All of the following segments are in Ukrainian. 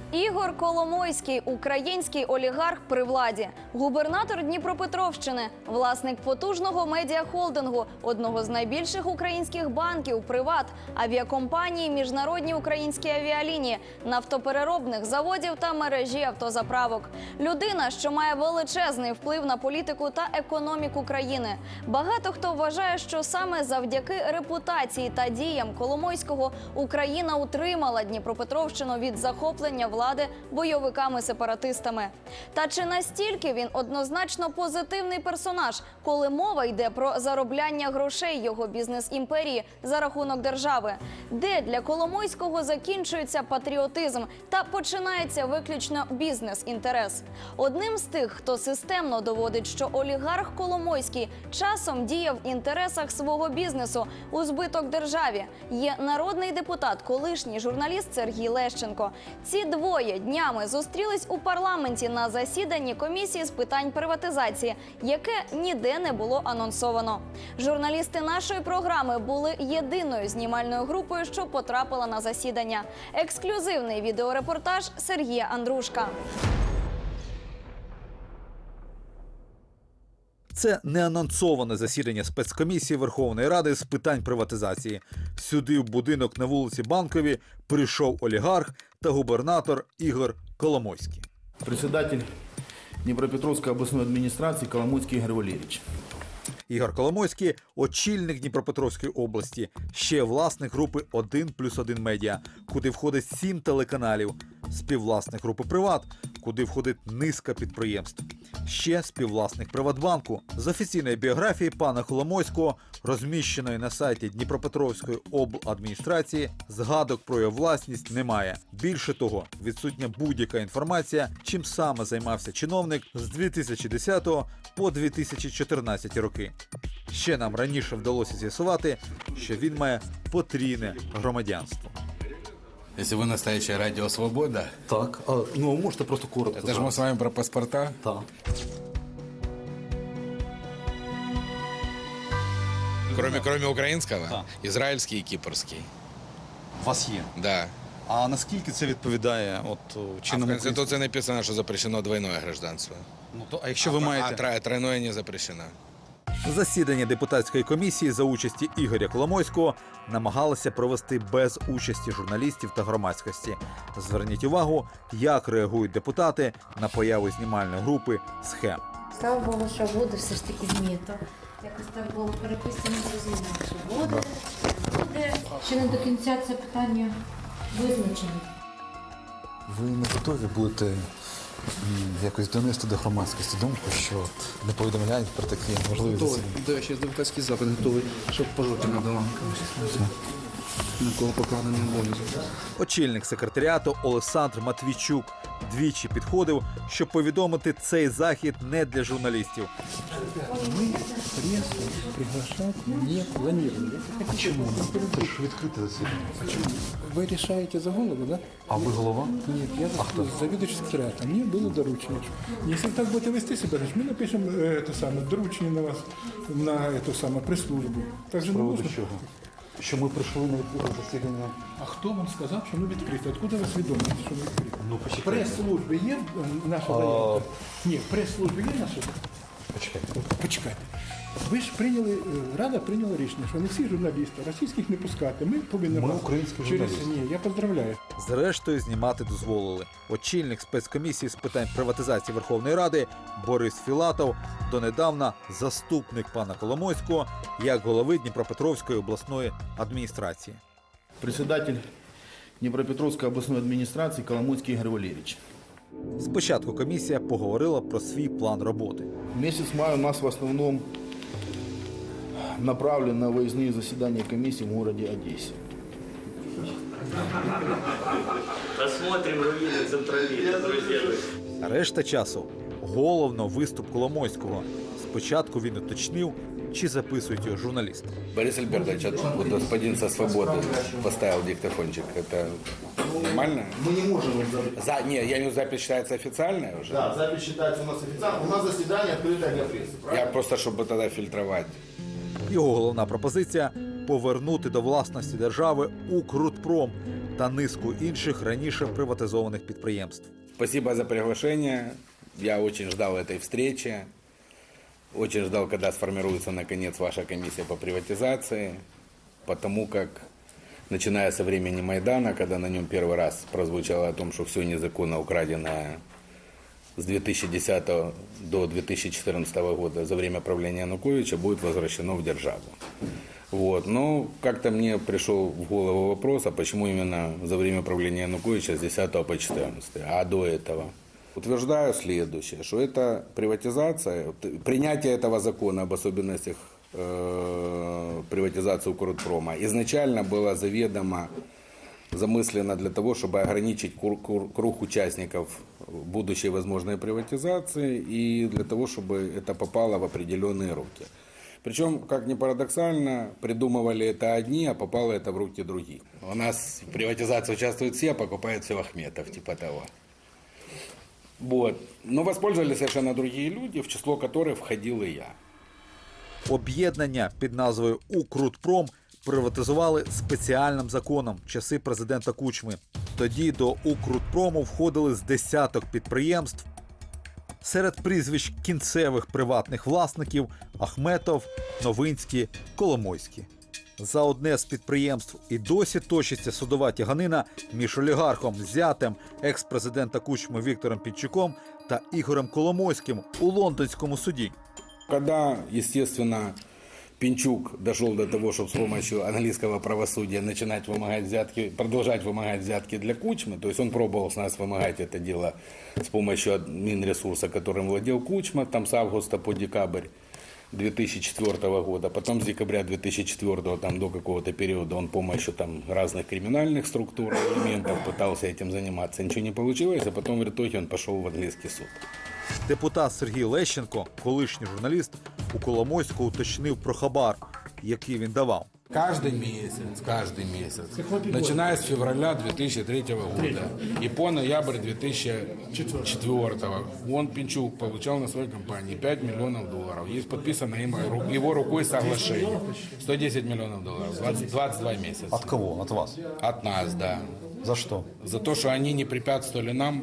Ігор Коломойський – український олігарх при владі, губернатор Дніпропетровщини, власник потужного медіахолдингу, одного з найбільших українських банків «Приват», авіакомпанії «Міжнародні українські авіалінії», нафтопереробних заводів та мережі автозаправок. Людина, що має величезний вплив на політику та економіку країни. Багато хто вважає, що саме завдяки репутації та діям Коломойського Україна утримала Дніпропетровщину від захоплення влади бойовиками-сепаратистами. Та чи настільки він однозначно позитивний персонаж, коли мова йде про заробляння грошей його бізнес-імперії за рахунок держави? Де для Коломойського закінчується патріотизм та починається виключно бізнес-інтерес? Одним з тих, хто системно доводить, що олігарх Коломойський часом діяв в інтересах свого бізнесу у збиток державі, є народний депутат, колишній журналіст Сергій Лещенко. Ці двоє днями зустрілись у парламенті на засіданні комісії з питань приватизації, яке ніде не було анонсовано. Журналісти нашої програми були єдиною знімальною групою, що потрапила на засідання. Ексклюзивний відеорепортаж Сергія Андрушка. Це неанонсоване засідання спецкомісії Верховної Ради з питань приватизації. Сюди, в будинок на вулиці Банковій, прийшов олігарх та губернатор Ігор Коломойський. Председатель Дніпропетровської обласної адміністрації Коломойський Ігор Валерійович. Ігор Коломойський – очільник Дніпропетровської області, ще власник групи «1+1 Медіа», куди входить 7 телеканалів, співвласник групи «Приват», куди входить низка підприємств. Ще співвласник «Приватбанку». З офіційної біографії пана Коломойського, розміщеної на сайті Дніпропетровської обладміністрації, згадок про його власність немає. Більше того, відсутня будь-яка інформація, чим саме займався чиновник з 2010 по 2014 роки. Ще нам раніше вдалося з'ясувати, що він має потрійне громадянство. Если вы настоящее радио «Свобода», Так, можете просто коротко. это же мы с вами про паспорта. Так. Кроме украинского, Да. израильский и кипрский. У вас є. Да. А наскільки це відповідає от А в чинному Конституции написано, что запрещено двойное гражданство. А якщо ви маєте... А тройное не запрещено. Засідання депутатської комісії за участі Ігоря Коломойського намагалися провести без участі журналістів та громадськості. Зверніть увагу, як реагують депутати на появу знімальної групи «Схем». Слава Богу, що буде все ж таки знято. Якось так було переписано, зрозуміло, що буде. Ще не до кінця це питання визначено. Ви не готові будете якось донести до громадськості думку, що не повідомляють про такі можливі засідання? Да, сейчас адвокатский запит готовый, чтобы по жопе надавал. На кого покладений обов'язок. Очільник секретаріату Олександр Матвійчук двічі підходив, щоб повідомити цей захід не для журналістів. Мы прессу приглашать не планировали. Чому? Це ж відкрите засідання. Вы решаете за голову, да? А ви голова? Нет, я заведующий секретаря. Мне было доручено. Если так будете вести себя, значит, мы напишем это самое, доручение на вас, на эту самую пресс-службу. Так же не Приводу можна? чого? Що ми прийшли на відкрите засідання? А хто вам сказав, що воно відкрите? Откуда ви свідомість, що воно відкрите? Ну, В почекайте. прес-службі є наша заявка? Ні, в прес-службі є наша? Почекайте. Почекайте. Ви ж прийняли, Рада прийняла рішення, що не всі журналісти, російських не пускати. Ми повинні... Ми вас українські через... журналісти. Ні, я поздравляю. Зрештою, знімати дозволили. Очільник спецкомісії з питань приватизації Верховної Ради Борис Філатов, донедавна заступник пана Коломойського, як голови Дніпропетровської обласної адміністрації. Председатель Дніпропетровської обласної адміністрації Коломойський Ігор Валерійович. Спочатку комісія поговорила про свій план роботи. Месяц мая у нас в основном направлен на выездные заседания комиссии в городе Одессе. Посмотрим руины Централита, друзья. Решта часу – головно виступ Коломойського. Спочатку він уточнив, чи записують його журналісти. Борис Альбертович, вот господин со «Свободы» поставил диктофончик. Это нормально? Мы не можем Не, я имею в виду, запись считается официальной уже? Да, запись считается у нас официально. У нас заседание открытое для прессы, правильно? Я просто, чтобы тогда фильтровать. Його головна пропозиція – повернути до власності держави «Укрутпром», та низку інших раніше приватизованих підприємств. Спасибо за приглашение. Я очень ждал этой встречи. Очень ждал, когда сформируется наконец ваша комиссия по приватизации. Потому как, начиная со времени Майдана, когда на нем первый раз прозвучало о том, что все незаконно украденное с 2010 до 2014 года за время правления Януковича будет возвращено в державу. Вот. Но как-то мне пришел в голову вопрос, а почему именно за время правления Януковича с 10 по 14, а до этого? Утверждаю следующее, что это приватизация, принятие этого закона об особенностях приватизации Укрпрома изначально было заведомо замыслено для того, чтобы ограничить круг участников будущей возможной приватизации и для того, чтобы это попало в определенные руки. Причем, как ни парадоксально, придумывали это одни, а попало это в руки других. У нас в приватизации участвуют все, а покупает все Ахметов, типа того. Вот. Но воспользовались совершенно другие люди, в число которых входил и я. Об'єднання під назвою «Укрпром» приватизували спеціальним законом в часи президента Кучми. Тоді до «Укрпрому» входили з десяток підприємств. Серед прізвищ кінцевих приватних власників – Ахметов, Новинський, Коломойський. За одне з підприємств і досі точиться судова тяганина між олігархом, зятем екс-президента Кучми Віктором Пінчуком та Ігорем Коломойським у лондонському суді. Когда, естественно, Пинчук дошел до того, чтобы с помощью английского правосудия начинать вымогать взятки, продолжать вымогать взятки для Кучмы, то есть он пробовал с нас вымогать это дело с помощью Минресурса, которым владел Кучма, там с августа по декабрь 2004 года, потом с декабря 2004 там, до какого-то периода он с помощью там, разных криминальных структур, элементов пытался этим заниматься, ничего не получилось, а потом в итоге он пошел в английский суд. Депутат Сергій Лещенко, колишній журналіст, у Коломойського уточнив про хабар, який він давав. Каждый месяц, начиная с февраля 2003 года и по ноябрь 2004, он, Пинчук, получал на своей компании $5 миллионов. Есть подписано его рукой соглашение. 110 миллионов долларов, 22 месяца. От кого? От вас? От нас, да. За что? За то, что они не препятствовали нам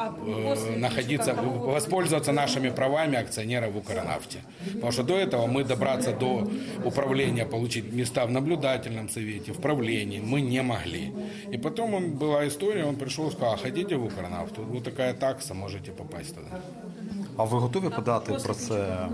воспользоваться нашими правами акционеров в Укрнафте. Потому что до этого мы добраться до управления, получить места в наблюдательном совете, в правлении мы не могли. И потом была история, он пришел и сказал, хотите в Укрнафту? Вот такая такса, можете попасть туда. А ви готові подати про це?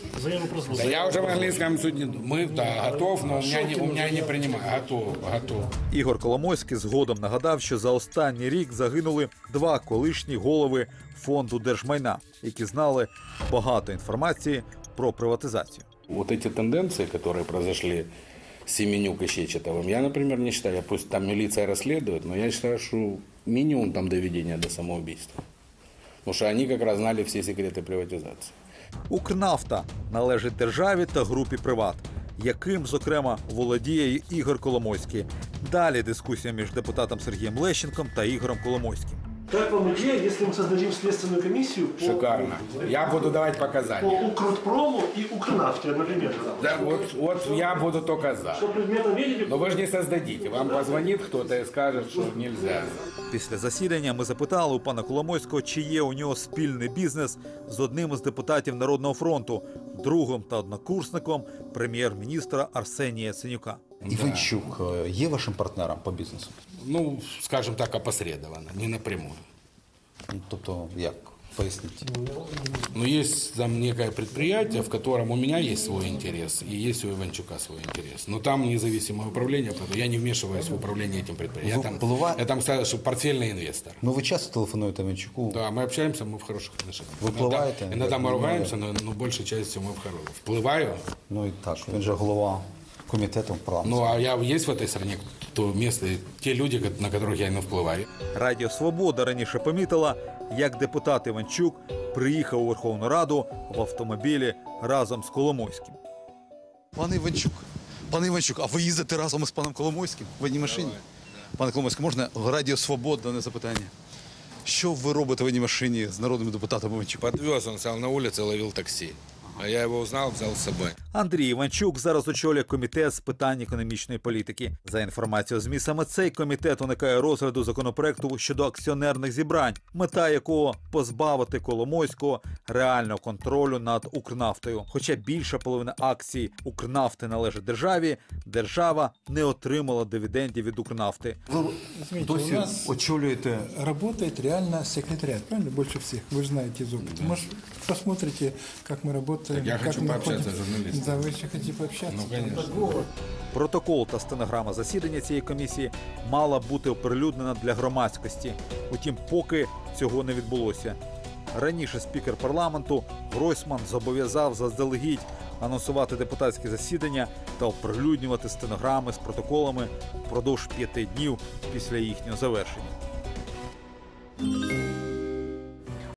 Да я уже в английском суде, готов, но у меня не принимают. Готов. Ігор Коломойський згодом нагадав, що за останній рік загинули 2 колишні голови фонду держмайна, які знали багато інформації про приватизацію. Вот эти тенденции, которые произошли с Семенюк и Щечетовым, я, например, не считаю, пусть там милиция расследует, но я считаю, что минимум там доведения до самоубийства. Потому что они как раз знали все секреты приватизации. Укрнафта належить державі та групі «Приват», яким, зокрема, володіє і Ігор Коломойський. Далі дискусія між депутатом Сергієм Лещенком та Ігорем Коломойським. Как вам идея, если мы создадим следственную комиссию по... Шикарно. Я буду давать показания. По Укрпрому и Укрнафте одновременно? Да, вот я буду только за. Что предметом видели? Но вы же не создадите. Вам позвонит кто-то и скажет, что нельзя. Після засідання ми запитали у пана Коломойського, чи є у нього спільний бізнес з одним із депутатів Народного фронту, другом та однокурсником прем'єр-міністра Арсенія Яценюка. Іванчук є вашим партнером по бізнесу? Ну, скажем так, опосредованно, не напрямую. Тобто, як? Поясніть. Но есть там некое предприятие, в котором у меня есть свой интерес, и есть у Иванчука свой интерес. Но там независимое управление, поэтому я не вмешиваюсь в управление этим предприятием. Я там сказал, что портфельный инвестор. Ну, ви часто телефонуєте Іванчуку? Да, мы общаемся, мы в хороших отношениях. Випливаєте? Иногда мы ругаемся, но большей частью мы в хороших. Вплываю. Ну і так, він же голова комітету парламенту. Ну, а есть в этой стране то место, те люди, на которых я не впливаю. Радіо «Свобода» раніше помітила, як депутат Іванчук приїхав у Верховну Раду в автомобілі разом з Коломойським. Пане Іванчук, а ви їздите разом із паном Коломойським в одній машині? Пане Коломойський, можна Радіо «Свобода» дане запитання? Що ви робите в одній машині з народним депутатом Іванчуком? Подвез, он стал на улице, ловил такси. А я его узнал, взял с собой. Андрій Іванчук зараз очолює комітет з питань економічної політики. За інформацією ЗМІ, саме цей комітет уникає розгляду законопроекту щодо акціонерних зібрань, мета якого – позбавити Коломойського реального контролю над Укрнафтою. Хоча більша половина акцій Укрнафти належить державі, держава не отримала дивідендів від Укрнафти. Извините, у нас очолюєте... работает реально секретариат, правильно? Больше всех. Вы же знаете из опыта. Может, посмотрите, как мы работаем. Так я как хочу мы пообщаться ходим. с журналистом. Да, вы еще хотите пообщаться? Ну, конечно. Протокол та стенограма засідання цієї комісії мала бути оприлюднена для громадськості. Утім, поки цього не відбулося. Раніше спікер парламенту Гройсман зобов'язав заздалегідь анонсувати депутатські засідання та оприлюднювати стенограми з протоколами впродовж 5 днів після їхнього завершення.